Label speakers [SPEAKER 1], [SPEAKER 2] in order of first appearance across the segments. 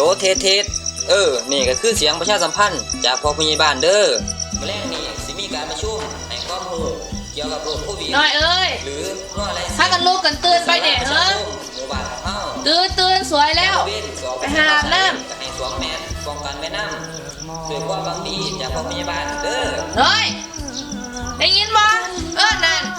[SPEAKER 1] เทสนี่ก็คือเสียงประชาสัมพันธ์จากพ่อผู้ใหญ่บ้านเด้อมื้อแรกนี้สิมีการประชุมให้ความรู้เกี่ยวกับโรคโควิด
[SPEAKER 2] น้อยเอ้ย
[SPEAKER 1] หรือโรคอะไร
[SPEAKER 2] ถ้ากันลูกกันตื่นไปเด็ก
[SPEAKER 1] หมู่บ้านเฮา
[SPEAKER 2] ตื่นสวยแล้วไปหาน้
[SPEAKER 1] ำให้สวมแมสป้องกันไม่น้ำด้วยความหวังดีจากพ่อผู้ใหญ่บ้านเด้อ
[SPEAKER 2] น้อยได้ยินบ่นั่น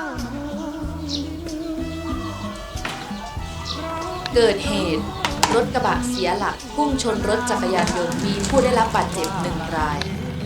[SPEAKER 2] เกิดเหตุรถกระบะเสียหลักพุ่งชนรถจักรยานยนต์มีผู้ได้รับบาดเจ็บ1 ราย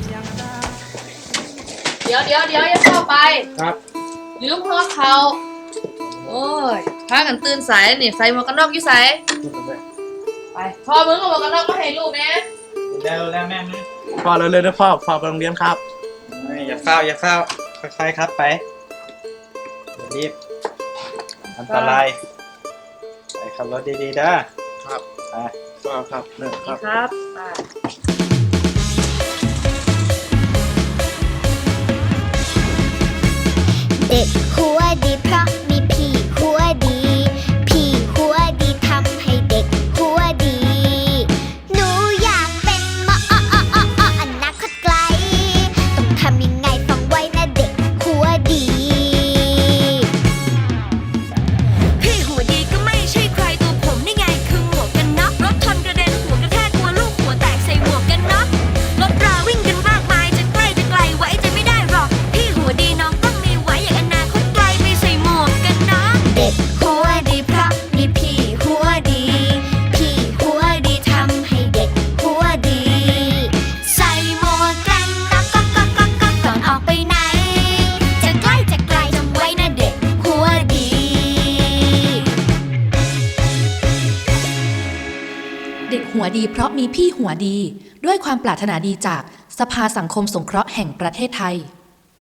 [SPEAKER 2] เดี๋ยวอย่าเข้าไป
[SPEAKER 3] ครับ
[SPEAKER 2] ลืมหัวเขาโอ้ยพากันตื่นสายนี่ใส่หมวกกันน็อกอยู่ใส่ไปพ่อมึงเอาหมวกกันน็อกมาให้ลูกนะ
[SPEAKER 3] แล้วแม่พ่อเลยนะพ่อไปโรงเรียนครับอย่าเฝ้าค่อยๆครับไปรีบอันตรายไปขับรถดีๆนะครับครับ
[SPEAKER 2] ครับ
[SPEAKER 4] เด็กหัวดีเพราะมีพี่หัวดีพี่หัวดีทำให้เด็กหัวดีหนูอยากเป็นหมออนาคตไกลต้องทำยังไงฟังไว้นะเด็กหัวดี
[SPEAKER 5] พี่หัวดีก็ไม่ใช่ใครตัวผมนี่ไงคือหมวกกันน็อกรถชนกระเด็นหัวกระแทกตัวลูกหัวแตกใส่หมวกกันน็อกรถราวิ่งกันมากมายจะใกล้จะไกลไว้ใจไม่ได้หรอกพี่หัวดีน้องต้องมีไว้อย่างอนาคตไกลไม่ใส่หมวกกันน็อก
[SPEAKER 4] เด็กหัวดีเพราะมีพี่หัวดีพี่หัวดีทำให้เด็กหัวดีใส่หมวกกันน็อกก่อนออกไปไหนจะใกล้จะไกลจำไว้นะเด็กหัวดี
[SPEAKER 6] เด็กหัวดีเพราะมีพี่หัวดีด้วยความปรารถนาดีจากสภาสังคมสงเคราะห์แห่งประเทศไทย